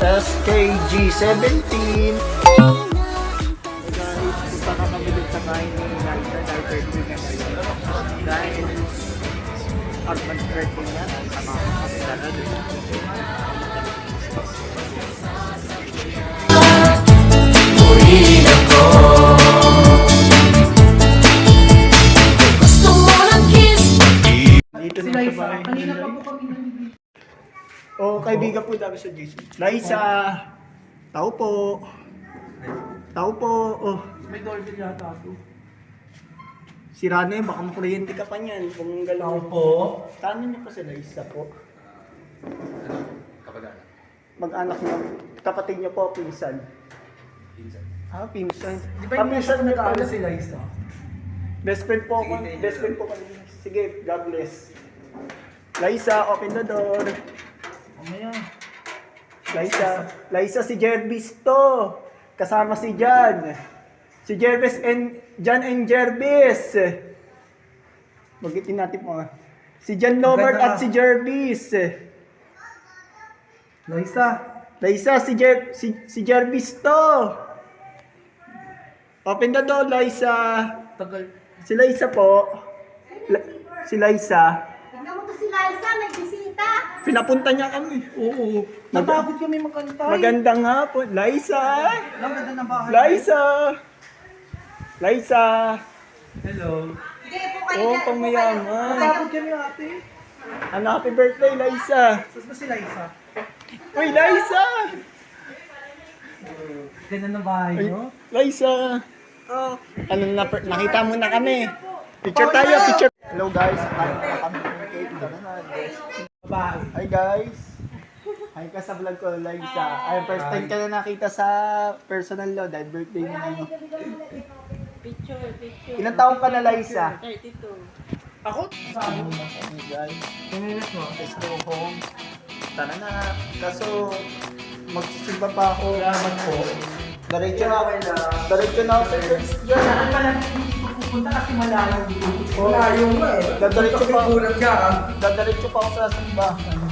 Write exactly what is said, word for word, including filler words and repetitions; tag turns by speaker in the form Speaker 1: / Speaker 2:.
Speaker 1: S K G seventeen. Guys, punta na kami dun sa bahay ni Liza dahil birthday na ngayon. Dahil Arman's birthday niya, sama ko kami sana dun. Dito na sa bahay.
Speaker 2: Kanina pa po kami nandito.
Speaker 1: Oo, kaibigan po dami sa J C. Liza! Tao po! Tao po! Oh,
Speaker 2: May doorbell yata ako.
Speaker 1: sira na yun, baka makuryente ka pa niyan. Kung
Speaker 2: Tao
Speaker 1: galaw
Speaker 2: po.
Speaker 1: Tanong niyo po si Liza po.
Speaker 3: Kapag-anak.
Speaker 1: Mag-anak niyo. Kapatid niyo po, pinsan.
Speaker 3: Pinsan.
Speaker 1: Ah, pinsan.
Speaker 2: Di
Speaker 1: Ah,
Speaker 2: ba yung
Speaker 1: pinsan
Speaker 2: pinsan
Speaker 1: na
Speaker 2: nag-aaral
Speaker 1: pala.
Speaker 2: si Liza?
Speaker 1: Best friend po ako.
Speaker 3: Sige, tayo
Speaker 1: Best
Speaker 3: na.
Speaker 1: friend po kami. Sige, God bless. Liza, open the door.
Speaker 2: Mamaya.
Speaker 1: Liza, Liza si Jervis to. Kasama si Jan. Si Jervis and Jan and Jervis. Magitin natin po nga. Si Jan Lomart
Speaker 2: Maganda.
Speaker 1: at si Jervis.
Speaker 2: Liza.
Speaker 1: Liza, si Jer si, si Jervis to. Open the door, Liza.
Speaker 2: Tagal.
Speaker 1: Si Liza po. La- si Liza.
Speaker 4: Tignan mo to si Liza, may bisita.
Speaker 1: Pinapunta niya kami.
Speaker 2: Oo.
Speaker 1: Mag-
Speaker 2: Natakot kami magkantay.
Speaker 1: Magandang hapon. Liza.
Speaker 2: Ang ganda ng bahay.
Speaker 1: Liza. Liza.
Speaker 2: Hello.
Speaker 4: Sige po kayo.
Speaker 1: Oh,
Speaker 4: dyan, po
Speaker 1: pamayaman.
Speaker 2: Natakot kami ate.
Speaker 1: Ano, happy birthday, Liza.
Speaker 2: Saan ba si Liza?
Speaker 1: Uy, Liza.
Speaker 2: Ganda ng bahay
Speaker 1: Ay,
Speaker 2: nyo.
Speaker 1: Liza.
Speaker 2: Oh.
Speaker 1: Ano na, nakita mo na kami. Picture tayo, picture. Hello guys, kain na kami ng cake. Tara na, guys.
Speaker 2: Babae.
Speaker 1: Hi guys. Hi ka sa vlog ko, Liza. Ay, first time ka na nakita sa personal law dahil birthday mo ngayon.
Speaker 4: Picture, picture.
Speaker 1: Ilang taong ka na, Liza?
Speaker 4: thirty-two.
Speaker 2: Ako? Saan?
Speaker 1: Okay guys,
Speaker 2: Pinilit mo.
Speaker 1: let's go home. Tara na. Kaso, magsisimba pa ako.
Speaker 2: Salamat po.
Speaker 1: Diretso na ako. Diretso na ako sa church dyan.
Speaker 2: Saan pala hindi ko pupunta kasi malayo dito.
Speaker 1: Malayo
Speaker 2: nga eh.
Speaker 1: Dadiretso pa.
Speaker 2: Kulang ka.
Speaker 1: Dadiretso pa ako sa simbahan.